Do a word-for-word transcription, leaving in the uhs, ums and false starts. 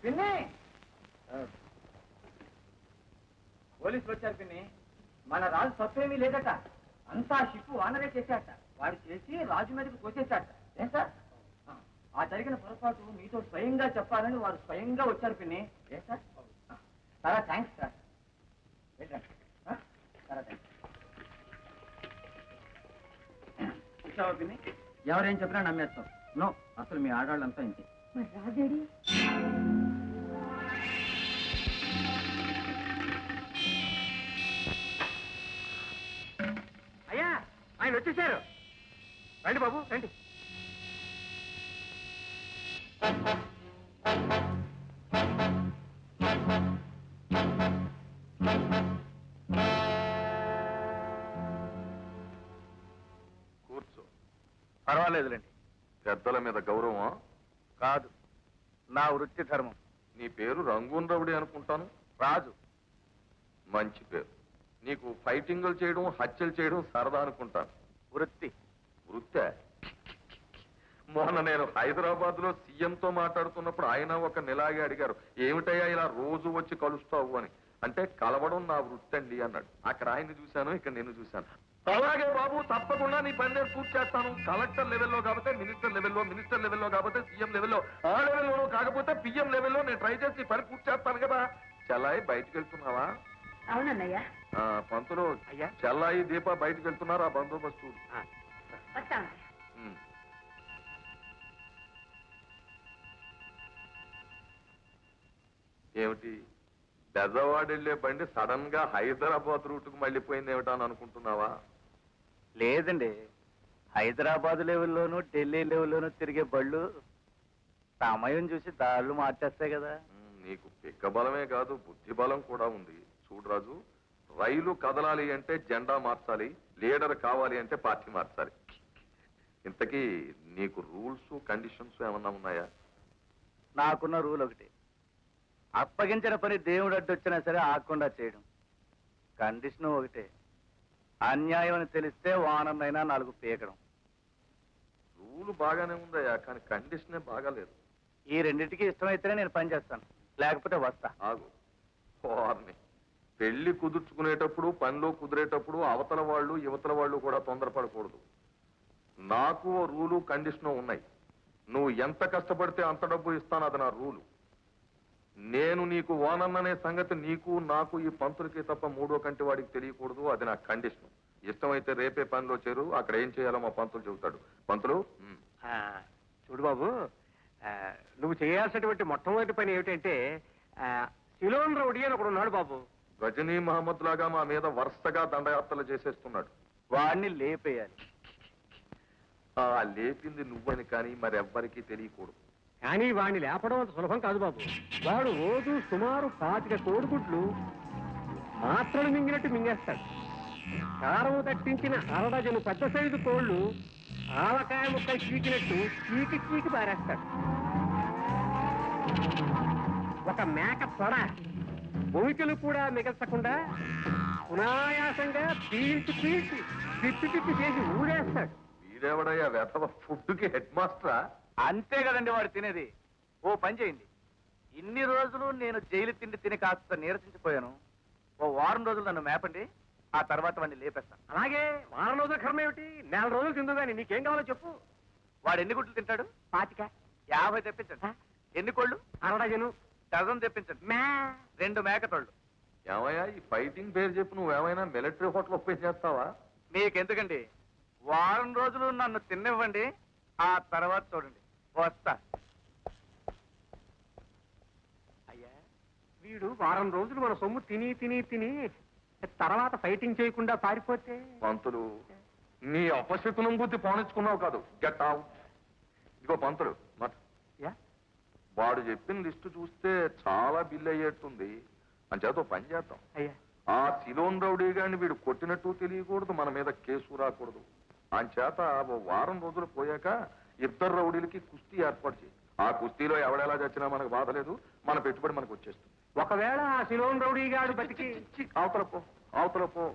పిన్ని పోలీసులు వచ్చారు పిన్ని. మన రాజు తప్పేమీ లేదట, అంతా షిప్పు వానరే చేశాట. వాడు చేసి రాజు మీదకి కోసేశాట. ఏం సార్? ఆ జరిగిన పొరపాటు మీతో స్వయంగా చెప్పాలని వారు స్వయంగా వచ్చారు పిన్ని. ఏ సార్? చాలా థ్యాంక్స్ సార్. చాలా థ్యాంక్స్. చూసావా పిన్ని, ఎవరేం చెప్పినా నమ్మేస్తాం. నో, అసలు మీ ఆడవాళ్ళంతా ఇంతే. మరి రాజేడి? అయ్యా, ఆయన వచ్చేసారు. రండి బాబు, రండి. కూర్చో. పర్వాలేదులేండి. పెద్దల మీద గౌరవం కాదు, నా వృత్తి ధర్మం. నీ పేరు రంగూన్ రౌడీ అనుకుంటాను. రాజు. మంచి పేరు. నీకు ఫైటింగులు చేయడం, హత్యలు చేయడం సరదా అనుకుంటాను. వృత్తి. వృత్తే? మొన్న నేను హైదరాబాద్ లో సీఎంతో మాట్లాడుతున్నప్పుడు ఆయన ఒక నెలాగే అడిగారు, ఏమిటయ్యా ఇలా రోజు వచ్చి కలుస్తావు అని. అంటే కలవడం నా వృత్తి అండి అన్నాడు. అక్కడ ఆయన్ని చూశాను, ఇక్కడ నేను చూశాను. అలాగే బాబు, తప్పకుండా నీ పని నేను పూర్తి చేస్తాను. కలెక్టర్ లెవెల్లో కాకపోతే మినిస్టర్ లెవెల్లో, మినిస్టర్ లెవెల్లో కాకపోతే సీఎం లెవెల్లో, ఆ లెవెల్లోనూ కాకపోతే పిఎం లెవెల్లో నేను ట్రై చేసి పని పూర్తి చేస్తాను కదా. చెల్లాయి బయటకు వెళ్తున్నావా? అవునన్నయ్య. పంతులు, చెల్లాయి దీప బయటకు వెళ్తున్నారు. ఆ బందోబస్తు ఏమిటి? బెజవాడ వెళ్లే బండి సడన్ గా హైదరాబాద్ రూట్కు మళ్ళీపోయింది ఏమిటా అని అనుకుంటున్నావా? లేదండి, హైదరాబాద్ లెవెల్లోనూ ఢిల్లీ లెవెల్లోనూ తిరిగే బళ్ళు సమయం చూసి దారులు మార్చేస్తాయి కదా. నీకు పిక్క బలమే కాదు, బుద్ధి బలం కూడా ఉంది. చూడు రాజు, రైలు కదలాలి అంటే జెండా మార్చాలి, లీడర్ కావాలి అంటే పార్టీ మార్చాలి. ఇంతకీ నీకు రూల్స్ కండిషన్స్ ఏమన్నా ఉన్నాయా? నాకున్న రూల్ ఒకటి, అప్పగించిన పని దేవుడు అడ్డొచ్చినా సరే ఆకుండా చేయడం. కండిషన్ ఒకటే, అన్యాయం అని తెలిస్తే వానమైనా నాలుగు పీకడం. రూల్ బాగానే ఉందయ్యా, కానీ కండిషనే బాగాలేదు. ఈ రెండింటికి ఇష్టమైతేనే నేను పని చేస్తాను, లేకపోతే వస్తా. ఆగు. వారిని పెళ్లి కుదుర్చుకునేటప్పుడు, పనిలో కుదిరేటప్పుడు అవతల వాళ్ళు యువతల వాళ్ళు కూడా తొందరపడకూడదు. నాకు రూలు కండిషను ఉన్నాయి. నువ్వు ఎంత కష్టపడితే అంత డబ్బు ఇస్తాను, అది నా రూలు. నేను నీకు ఓనన్ననే సంగతి నీకు నాకు ఈ పంతులకి తప్ప మూడో కంటి వాడికి తెలియకూడదు, అది నా కండిషన్. ఇష్టమైతే రేపే పనిలో చేరు, అక్కడ ఏం చేయాలో మా పంతులు చెబుతాడు. పంతులు, చూడు బాబు, నువ్వు చేయాల్సినటువంటి మొట్టమొదటి పని ఏమిటంటే, సిలోన్ రౌడీ అని ఒకడు ఉన్నాడు బాబు. గజనీ మహమ్మద్ లాగా మా మీద వరుసగా దండయాత్రలు చేసేస్తున్నాడు. వాడిని లేపేయాలి. ఆ లేపింది నువ్వని కానీ మరెవ్వరికీ తెలియకూడదు. కానీ వాడిని లేపడం అంత సులభం కాదు బాబు. వాడు రోజు సుమారు పాతిక కోడిగుడ్లు మాత్రలు మింగినట్టు మింగేస్తాడు. కారము తట్టించిన అరడజను పెద్ద సైజు కోళ్లు ఆవకాయ ముక్కలు చీకినట్టు చీకి చీకి పారేస్తాడు. ఒక మేక తొడ భూమికలు కూడా మిగల్చకుండా సునాయాసంగా పీల్చి పీల్చి తిప్పి తిప్పి చేసి ఊడేస్తాడు. వీడెవడయ్యా వెధవ ఫుడ్కి హెడ్ మాస్టరా? అంతే కదండి వాడు తినేది. ఓ పని చేయండి, ఇన్ని రోజులు నేను జైలు తిండి తిని కాస్త నీరసించిపోయాను. ఓ వారం రోజులు నన్ను మేపండి, ఆ తర్వాత వాడిని లేపేస్తాను. అలాగే వారం రోజుల కర్మ ఏమిటి, నెల రోజులు తిందుగాని నీకేం కావాలో చెప్పు. వాడు ఎన్ని గుడ్లు తింటాడు? పాతిక. యాభై తెప్పించండి. ఎన్ని కోళ్ళు? అరడజను. డజన్ తెప్పించండి. మే రెండు మేకతోళ్ళు. ఏమయ్యా, ఈ ఫైటింగ్ పేరు చెప్పి నువ్వేమైనా మిలిటరీ హోటల్ ఓపెన్ చేస్తావా? మీకెందుకండి, వారం రోజులు నన్ను తిన్నివ్వండి, ఆ తర్వాత చూడండి. వస్తా. అయ్యా, వీడు వారం రోజులు మన సొమ్ము తిని తిని తిని తర్వాత ఫైటింగ్ చేయకుండా పారిపోతే. పంతులు, నీ అపశకునం బుద్ధి పోనిచ్చుకున్నావు కాదు. Get out. ఇదిగో పంతులు, మట్ వాడు చెప్పిన లిస్టు చూస్తే చాలా బిల్ అయ్యేట్టుంది. అంచేత పని చేద్దాం. అయ్యా, ఆ సిలోన్ రౌడీ గారిని వీడు కొట్టినట్టు తెలియకూడదు, మన మీద కేసు రాకూడదు. అంచేత ఓ వారం రోజులు పోయాక ఇద్దరు రౌడీలకి కుస్తీ ఏర్పాటు చేయి. ఆ కుస్తీలో ఎవడెలా చచ్చినా మనకు బాధ లేదు, మన పెట్టుబడి మనకు వచ్చేస్తుంది. ఒకవేళ ఆ సిలోన్ రౌడీ గాడు బతికి అవతల పో, అవతల పో.